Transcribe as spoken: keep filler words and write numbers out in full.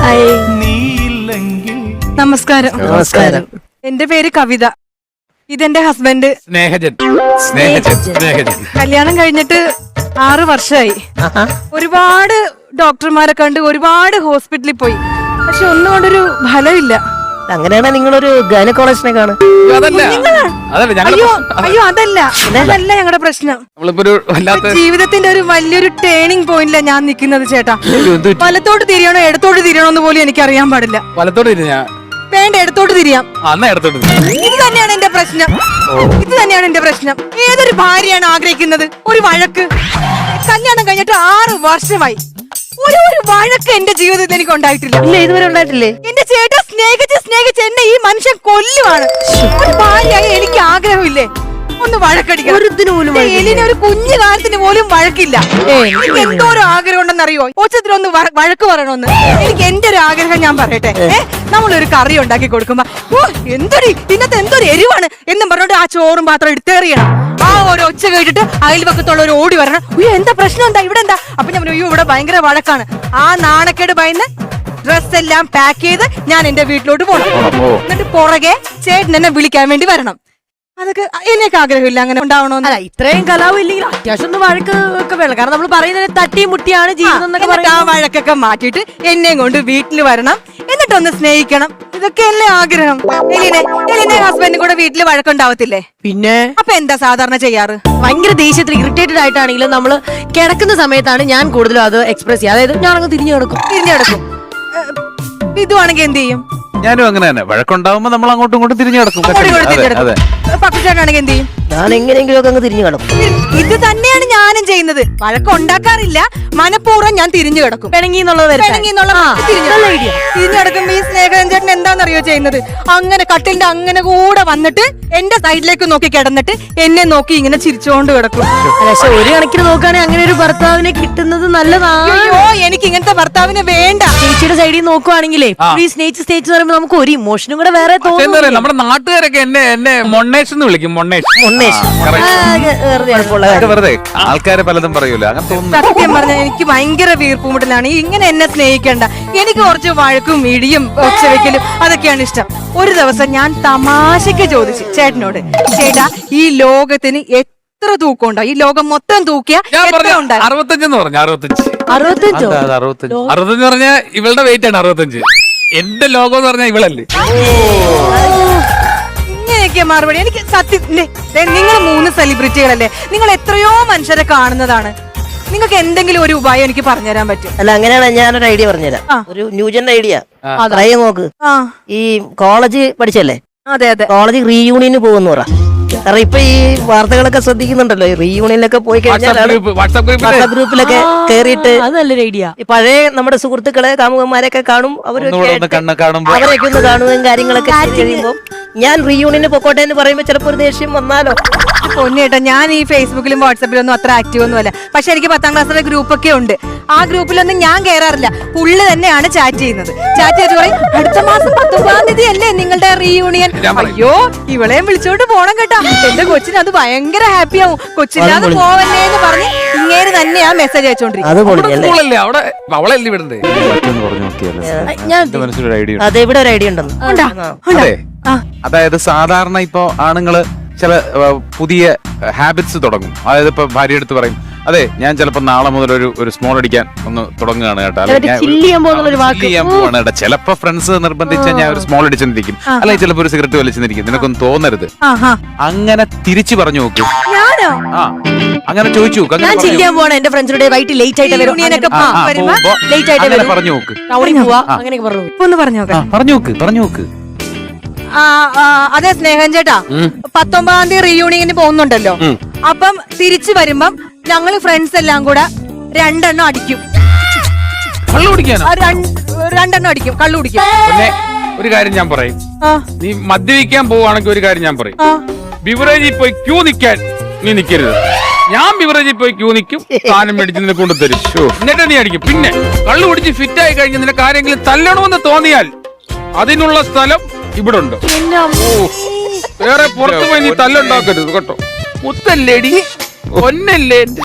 നമസ്കാരം. നമസ്കാരം. എന്റെ പേര് കവിത. ഇതെന്റെ ഹസ്ബൻഡ് സ്നേഹജൻ. സ്നേഹജൻ സ്നേഹജൻ കല്യാണം കഴിഞ്ഞിട്ട് ആറ് വർഷമായി. ഒരുപാട് ഡോക്ടർമാരെ കണ്ട് ഒരുപാട് ഹോസ്പിറ്റലിൽ പോയി, പക്ഷെ ഒന്നും കൊണ്ടൊരു ഫലമില്ല. അങ്ങനെയാണെ നിങ്ങളൊരു ഗൈനക്കോളജിനെ കാണും. അയ്യോ അയ്യോ അതല്ല അതല്ല ഞങ്ങളുടെ പ്രശ്നം. ജീവിതത്തിന്റെ ഒരു വലിയൊരു ടേണിംഗ് പോയിന്റില ഞാൻ നിൽക്കുന്നത് ചേട്ടാ. വലത്തോട്ട് തിരിയണോ ഇടത്തോട്ട് തിരിയണോ എന്ന് പോലും എനിക്ക് അറിയാൻ പാടില്ല. വലത്തോട്ട് തിരിഞ്ഞാ വേണ്ട, എടുത്തോട്ട് തിരിയാം. ഇത് തന്നെയാണ് എന്റെ പ്രശ്നം. ഇത് തന്നെയാണ് എന്റെ പ്രശ്നം. ഏതൊരു ഭാര്യയാണ് ആഗ്രഹിക്കുന്നത് ഒരു വഴക്ക്? കല്യാണം കഴിഞ്ഞിട്ട് ആറ് വർഷമായി, ഒരു ഒരു വഴക്ക് എന്റെ ജീവിതത്തിൽ എനിക്ക് ഉണ്ടായിട്ടില്ല. ഇല്ല, ഇതുവരെ ഉണ്ടായിട്ടില്ലേ? എന്റെ ചേട്ടൻ സ്നേഹിച്ച് സ്നേഹിച്ച് എന്നെ ഈ മനുഷ്യൻ കൊല്ലുവാണ്. ഒരു ഭാര്യയായി എനിക്ക് ആഗ്രഹമില്ലേ ഒന്ന് വഴക്കടിക്കണം? എലിനെ ഒരു കുഞ്ഞു കാലത്തിന് പോലും വഴക്കില്ല. എനിക്ക് എന്തോരം ആഗ്രഹം ഉണ്ടെന്നറിയോ? ഒച്ചത്തിലൊന്ന് വഴക്ക് പറയണമെന്ന്. എനിക്ക് എന്റെ ഒരു ആഗ്രഹം ഞാൻ പറയട്ടെ. ഏഹ് നമ്മളൊരു കറി ഉണ്ടാക്കി കൊടുക്കുമ്പോ ഓ എന്തൊരു ഇന്നത്തെ എന്തൊരു എരിവാണ് എന്നും പറഞ്ഞോണ്ട് ആ ചോറും പാത്രം എടുത്തേറിയണം. ആ ഒരു ഒച്ച കേട്ടിട്ട് അയൽവക്കത്തുള്ള ഒരു ഓടി വരണം. അയ്യോ എന്താ പ്രശ്നം, എന്താ ഇവിടെ എന്താ? അപ്പൊ ഞാൻ അയ്യോ ഇവിടെ ഭയങ്കര വഴക്കാണ്. ആ നാണക്കേട് ഭയന്ന് ഡ്രസ് എല്ലാം പാക്ക് ചെയ്ത് ഞാൻ എന്റെ വീട്ടിലോട്ട് പോകണം. എന്നിട്ട് പുറകെ ചേട്ടൻ എന്നെ വിളിക്കാൻ വേണ്ടി വരണം. അതൊക്കെ എനിക്ക് ആഗ്രഹമില്ല അങ്ങനെ ഉണ്ടാവണോന്ന്. അല്ല, ഇത്രയും കലാവും ഇല്ലെങ്കിൽ അത്യാവശ്യം ഒന്ന് വഴക്ക് ഒക്കെ വേണം. കാരണം നമ്മൾ പറയുന്നത് തട്ടിയും മുട്ടിയാണ് ജീവിതം എന്നൊക്കെ പറയും. ആ വഴക്കൊക്കെ മാറ്റിയിട്ട് എന്നെയും കൊണ്ട് വീട്ടിൽ വരണം, എന്നിട്ടൊന്ന് സ്നേഹിക്കണം. ഇതൊക്കെ അല്ലേ ആഗ്രഹം. എലിനെ എലിനെ ഹസ്ബൻഡും കൂടെ വീട്ടിൽ വഴക്കുണ്ടാവത്തില്ലേ? പിന്നെ അപ്പൊ എന്താ സാധാരണ ചെയ്യാറ്? ഭയങ്കര ദേഷ്യത്തിൽ ഇറിറ്റേറ്റഡ് ആയിട്ടാണെങ്കിലും നമ്മള് കിടക്കുന്ന സമയത്താണ് ഞാൻ കൂടുതലും അത് എക്സ്പ്രസ് ചെയ്യുക. അതായത് ഞാനങ്ങ് തിരിഞ്ഞു കിടക്കും തിരിഞ്ഞു കിടക്കും ഇതുവാണെങ്കിൽ എന്ത് ചെയ്യും? ഞാനും അങ്ങനെ തന്നെ. വഴക്കുണ്ടാവുമ്പോ നമ്മൾ അങ്ങോട്ടും ഇങ്ങോട്ടും തിരിഞ്ഞു കിടക്കും. പക്കുചേട്ടനാണെങ്കിൽ എന്ത് ചെയ്യും? ഞാൻ എങ്ങനെയെങ്കിലും ഒക്കെ അങ്ങ് തിരിഞ്ഞു കിടക്കും. ഇത് തന്നെയാണ് ഞാനും ചെയ്യുന്നത്. വഴക്കുണ്ടാക്കാറില്ല, മനഃപൂർവ്വം ഞാൻ തിരിഞ്ഞു കിടക്കും. പിണങ്ങി എന്നുള്ളത് തിരിഞ്ഞു കിടക്കുമ്പോ ഈ സ്നേഹൻ ചേട്ടൻ എന്താണെന്നറിയോ ചെയ്യുന്നത്? അങ്ങനെ കട്ടിലിന്റെ അങ്ങനെ കൂടെ വന്നിട്ട് എന്റെ സൈഡിലേക്ക് നോക്കി കിടന്നിട്ട് എന്നെ നോക്കി ഇങ്ങനെ ചിരിച്ചുകൊണ്ട് കിടക്കും. പക്ഷെ ഒരു കണക്കിന് നോക്കുകയാണെങ്കിൽ അങ്ങനെ ഒരു ഭർത്താവിനെ കിട്ടുന്നത് നല്ലതാണ്. അയ്യോ എനിക്ക് ഇങ്ങനത്തെ ഭർത്താവിനെ വേണ്ട. ചേച്ചിയുടെ സൈഡിൽ നോക്കുവാണെങ്കിലേ ഈ സ്നേഹിച്ച് സ്നേഹിച്ച് പറയുമ്പോൾ നമുക്ക് ഒരു ഇമോഷനും കൂടെ വേറെ തോന്നുന്നു. നമ്മുടെ നാട്ടുകാരൊക്കെ എന്നെ എന്നെ മൊണ്ണേഷ് എന്ന് വിളിക്കും. മൊണ്ണേഷ് വെറുതെ ആൾക്കാരെ പലതും പറയൂല. അങ്ങനെ തോന്നുന്നു. സത്യം പറഞ്ഞാൽ എനിക്ക് ഭയങ്കര വീർപ്പുമുട്ടലാണ്. ഇങ്ങനെ എന്നെ സ്നേഹിക്കണ്ട. എനിക്ക് കുറച്ച് വഴക്കും ഇടിയും ഒച്ചവെക്കലും അതൊക്കെയാണ് ഇഷ്ടം. ഒരു ദിവസം ഞാൻ തമാശക്ക് ചോദിച്ചു ചേട്ടനോട്, ചേട്ടാ ഈ ലോകത്തിന് എത്ര തൂക്കം ഉണ്ടാവും? ഈ ലോകം മൊത്തം തൂക്കിയ അറുപത്തഞ്ചെന്ന് പറഞ്ഞു. അറുപത്തഞ്ച് അറുപത്തഞ്ചോ അറുപത്തഞ്ച് അറുപത്തഞ്ച് പറഞ്ഞാൽ ഇവളുടെ വെയിറ്റ് ആണ് അറുപത്തഞ്ച്. എന്റെ ലോകം എന്ന് പറഞ്ഞാൽ ഇവളല്ലേ. ഇങ്ങനെയൊക്കെ മറുപടി. എനിക്ക് സത്യം, നിങ്ങൾ മൂന്ന് സെലിബ്രിറ്റികളല്ലേ, നിങ്ങൾ എത്രയോ മനുഷ്യരെ കാണുന്നതാണ്. നിങ്ങൾക്ക് എന്തെങ്കിലും ഒരു ഉപായം എനിക്ക് പറഞ്ഞുതരാൻ പറ്റും? അല്ല, അങ്ങനെയാണ് ഞാനൊരു ഐഡിയ പറഞ്ഞുതരാം. ഒരു ന്യൂജൻ ഐഡിയ. അതായത് നോക്ക്, ഈ കോളേജ് പഠിച്ചല്ലേ? അതെ അതെ. കോളേജ് റീയൂണിയന് പോകുന്നു പറ. കാരണം ഇപ്പൊ ഈ വാർത്തകളൊക്കെ ശ്രദ്ധിക്കുന്നുണ്ടല്ലോ, റീയൂണിയനൊക്കെ പോയി കഴിഞ്ഞാൽ വാട്സാപ്പ് ഗ്രൂപ്പിലൊക്കെ കേറിയിട്ട് നല്ലൊരു ഐഡിയ. പഴയ നമ്മുടെ സുഹൃത്തുക്കളെ കാമുകന്മാരെയൊക്കെ കാണും. അവരൊക്കെ അവരൊക്കെ ഒന്ന് കാണുകയും കാര്യങ്ങളൊക്കെ കഴിയുമ്പോ ഞാൻ റീയൂണിയന് പൊക്കോട്ടെ എന്ന് പറയുമ്പോ ചിലപ്പോ ഒരു ദേഷ്യം വന്നാലോ. പൊന്നേട്ടാ, ഞാൻ ഈ ഫേസ്ബുക്കിലും വാട്സാപ്പിലും ഒന്നും അത്ര ആക്റ്റീവ് ഒന്നും അല്ല. പക്ഷെ എനിക്ക് പത്താം ക്ലാസ്സിലെ ഗ്രൂപ്പൊക്കെ ഉണ്ട്. ആ ഗ്രൂപ്പിലൊന്നും ഞാൻ കയറാറില്ല. പുള്ളി തന്നെയാണ് ചാറ്റ് ചെയ്യുന്നത്. ചാറ്റ് ചെയ്ത് പറയും അടുത്ത മാസം പത്തൊമ്പതാം തീയതി അല്ലേ നിങ്ങളുടെ റീയൂണിയൻ. അയ്യോ ഇവളെയും വിളിച്ചോണ്ട് പോണം കേട്ടാ, എന്റെ കൊച്ചിന് അത് ഭയങ്കര ഹാപ്പി ആവും, കൊച്ചില്ലാതെ പോവല്ലേ എന്ന് പറഞ്ഞ് ഇങ്ങേര് തന്നെയാ മെസ്സേജ് അയച്ചോണ്ടിരിക്കും. അതെവിടെ ഒരു ഐഡിയ ഉണ്ടെന്ന്. അതായത് സാധാരണ ഇപ്പൊ ആണുങ്ങള് ചില പുതിയ ഹാബിറ്റ്സ് തുടങ്ങും. അതായത് ഇപ്പൊ ഭാര്യ എടുത്ത് പറയും, അതെ ഞാൻ ചിലപ്പോ നാളെ മുതൽ ഒരു ഒരു സ്മോൾ അടിക്കാൻ ഒന്ന് തുടങ്ങുകയാണ് കേട്ടോ, പോവാണ്. ചിലപ്പോ ഫ്രണ്ട്സ് നിർബന്ധിച്ച ഞാൻ ഒരു സ്മോൾ അടിച്ചെന്നിരിക്കും, അല്ലെങ്കിൽ ചിലപ്പോ ഒരു സിഗരറ്റ് വലിച്ചെന്നിരിക്കും. നിനക്കൊന്നും തോന്നരുത്. അങ്ങനെ തിരിച്ചു പറഞ്ഞു നോക്കൂ. ആ അങ്ങനെ ചോദിച്ചു നോക്ക്. എന്റെ ഫ്രണ്ട്സിന്റെ വൈകിട്ട് ലേറ്റ് ആയിട്ട് പറഞ്ഞു നോക്ക്. പറഞ്ഞു നോക്ക് പറഞ്ഞു നോക്ക് അതെ സ്നേഹൻ ചേട്ടാ, പത്തൊമ്പതാം തീയതി റീയൂണിയന് പോകുന്നുണ്ടല്ലോ. അപ്പം തിരിച്ചു വരുമ്പം ഞങ്ങള് ഫ്രണ്ട്സ് എല്ലാം കൂടെ രണ്ടെണ്ണം അടിക്കും. രണ്ടെണ്ണം അടിക്കും, കള്ളു കുടിക്കും. ഒരു കാര്യം ഞാൻ പറയും, നീ മദ്യപിക്കാൻ പോവാണെങ്കിൽ ഒരു കാര്യം ഞാൻ പറയും, ബിവറേജിൽ പോയി ക്യൂ നിൽക്കാൻ നീ നിൽക്കരുത്. ഞാൻ ബിവറേജിൽ പോയി ക്യൂ നിൽക്കും, സാധനം മേടിച്ച് നിന്നെ കൊണ്ടുതരും, എന്നിട്ട് നീ അടിക്കും. പിന്നെ കള്ളു കുടിച്ച് ഫിറ്റ് ആയി കഴിഞ്ഞ് നിനക്ക് ആരെങ്കിലും തല്ലണമെന്ന് തോന്നിയാൽ അതിനുള്ള സ്ഥലം ഇവിടെ ഉണ്ട്. വേറെ പുറത്തു പോയി നീ തല്ലുണ്ടാക്കരുത് കേട്ടോ. മുത്തല്ലേടി, ഒന്നല്ലേ.